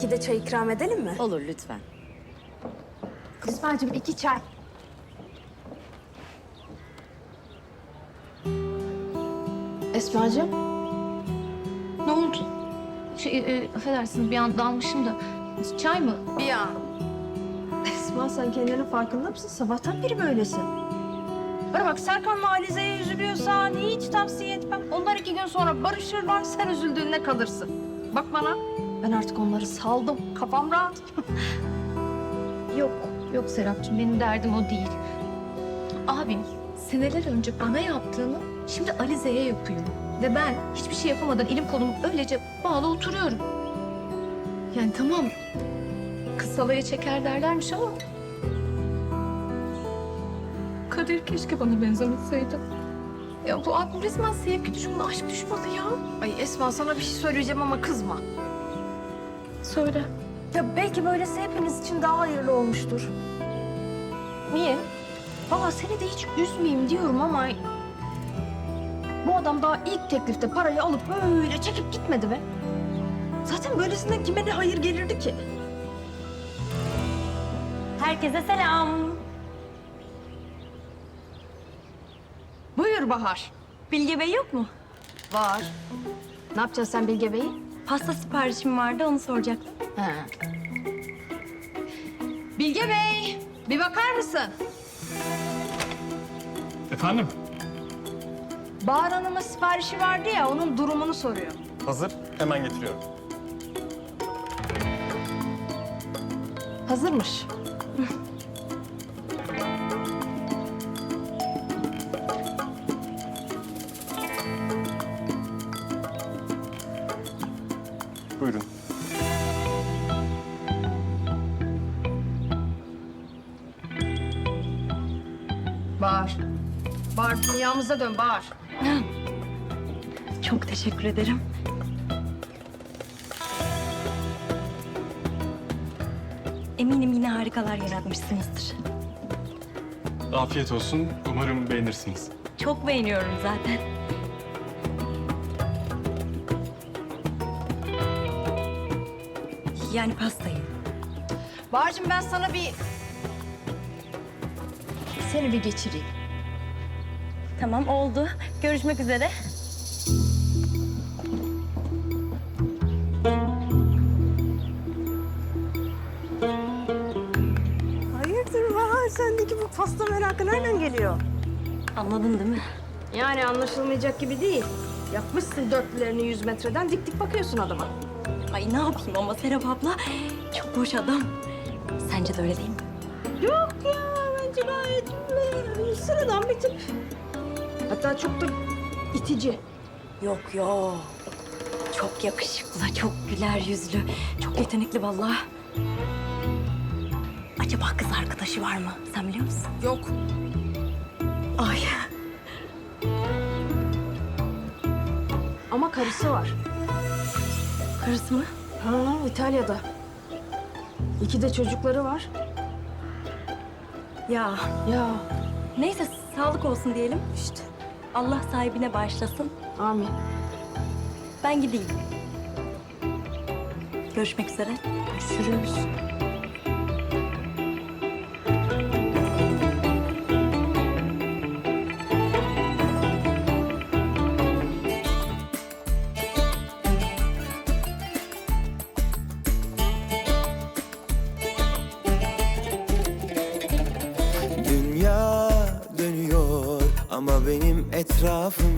2'de çay ikram edelim mi? Olur lütfen. Esma'cığım 2 çay. Esma'cığım. Ne oldu? Affedersiniz bir an dalmışım da. Çay mı? Bir an. Esma sen kendinin farkında mısın? Sabahtan beri böylesin. Bana bak Serkan'la Alize'ye üzülüyorsan hiç tavsiye etmem. Onlar 2 gün sonra barışırlar, sen üzüldüğünde kalırsın. Bak bana, ben artık onları saldım. Kafam rahat. Yok Serapcığım benim derdim o değil. Abim seneler önce bana yaptığını şimdi Alize'ye yapıyor. Ve ben hiçbir şey yapamadan elim kolum öylece bağlı oturuyorum. Yani tamam kız salaya çeker derlermiş ama... Kadir keşke bana benzemeseydi. Ya bu abim resmen sevgi düşmanı, aşk düşmanı ya. Ay Esma sana bir şey söyleyeceğim ama kızma. Söyle. Ya belki böylesi hepimiz için daha hayırlı olmuştur. Niye? Valla seni de hiç üzmeyeyim diyorum ama... Bu adam daha ilk teklifte parayı alıp böyle çekip gitmedi be. Zaten böylesinden kime ne hayır gelirdi ki? Herkese selam. Buyur Bahar. Bilge Bey yok mu? Var. Ne yapacaksın sen Bilge Bey'i? Pasta siparişim vardı, onu soracaktım. Ha. Bilge Bey, bir bakar mısın? Efendim? Bahar Hanım'ın siparişi vardı ya, onun durumunu soruyor. Hazır. Hemen getiriyorum. Hazırmış. Buyurun. Bahar. Bahar, dünyamıza dön Bahar. Çok teşekkür ederim. Eminim yine harikalar yaratmışsınızdır. Afiyet olsun. Umarım beğenirsiniz. Çok beğeniyorum zaten. Yani pastayı. Bahar'cığım ben sana seni bir geçireyim. Tamam, oldu. Görüşmek üzere. Hayırdır Bahar? Sendeki bu pasta merakı nereden geliyor? Anladın değil mi? Yani anlaşılmayacak gibi değil. Yapmışsın dörtlülerini 100 metreden dik dik bakıyorsun adama. Ay ne yapayım ama Serap abla çok boş adam. Sence de öyle değil mi? Yok ya bence gayet sıradan bir tip. Hatta çok da itici. Yok yok. Çok yakışıklı, çok güler yüzlü, çok yetenekli vallahi. Acaba kız arkadaşı var mı? Sen biliyor musun? Yok. Ay. Ama karısı var. Karısı mı? Ha, İtalya'da. 2 de çocukları var. Ya Ya neyse sağlık olsun diyelim. İşte Allah sahibine bağışlasın. amin. Ben gideyim. Görüşmek üzere. Görüşürüz. Dünya dönüyor ama benim etrafım